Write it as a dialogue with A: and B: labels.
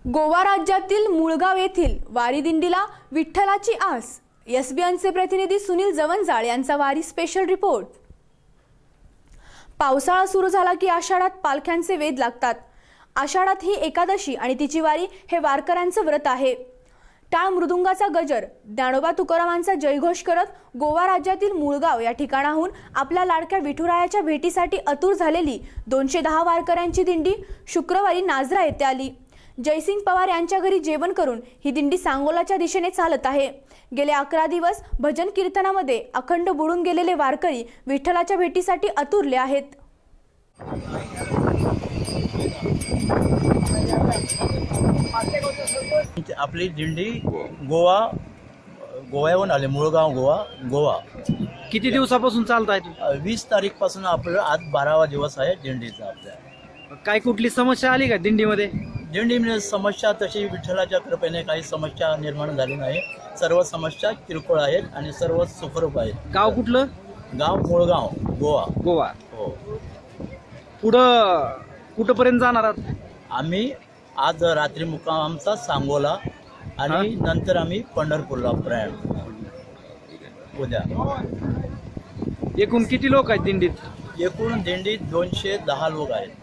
A: गोवा राज्यातील मुळगाव येथील वारी दिंडीला विठ्ठलाची आस. एसबीएनचे प्रतिनिधी सुनील जवंजाळ यांचा वारी स्पेशल रिपोर्ट. पावसाळा सुरू झाला की आषाढात पालख्यांचे वेध लागतात. आषाढात ही एकादशी आणि तिची वारी हे वारकऱ्यांचं व्रत आहे. टाळ मृदुंगाचा गजर, ज्ञानोबा तुकारामांचा जयघोष करत गोवा राज्यातील मुळगाव या ठिकाणाहून आपल्या लाडक्या विठुरायाच्या भेटीसाठी आतुर झालेली 210 वारकऱ्यांची दिंडी शुक्रवारी नाझरा येथे आली. जयसिंग पवार यांच्या घरी जेवण करून ही दिंडी सांगोलाच्या दिशेने चालत आहे. गेले 11 दिवस भजन कीर्तनामध्ये अखंड बुडून गेलेले वारकरी विठ्ठलाच्या भेटीसाठी आतुरले आहेत.
B: आपली दिंडी गोव्याहून आले. मुळगाव गोवा.
C: किती दिवसापासून चालताय तुम्ही?
B: 20 तारीखपासून आपलं आज 12वा दिवस आहे दिंडीचा. आपल्या
C: काय कुठली समस्या आली का दिंडीमध्ये?
B: दिंडीमध्ये समस्या तशी विठ्ठलाच्या कृपेने काही समस्या निर्माण झाली नाही. सर्व समस्या किरकोळ आहेत आणि सर्व सुखरूप आहेत.
C: गाव कुठलं?
B: गाव मुळगाव गोवा. हो.
C: पुढं कुठपर्यंत जाणार आहात?
B: आम्ही आज रात्री मुक्काम आमचा सांगोला आणि नंतर आम्ही पंढरपूरला प्रयाण उद्या.
C: एकूण किती लोक आहेत दिंडीत?
B: एकूण दिंडीत 210 लोक आहेत.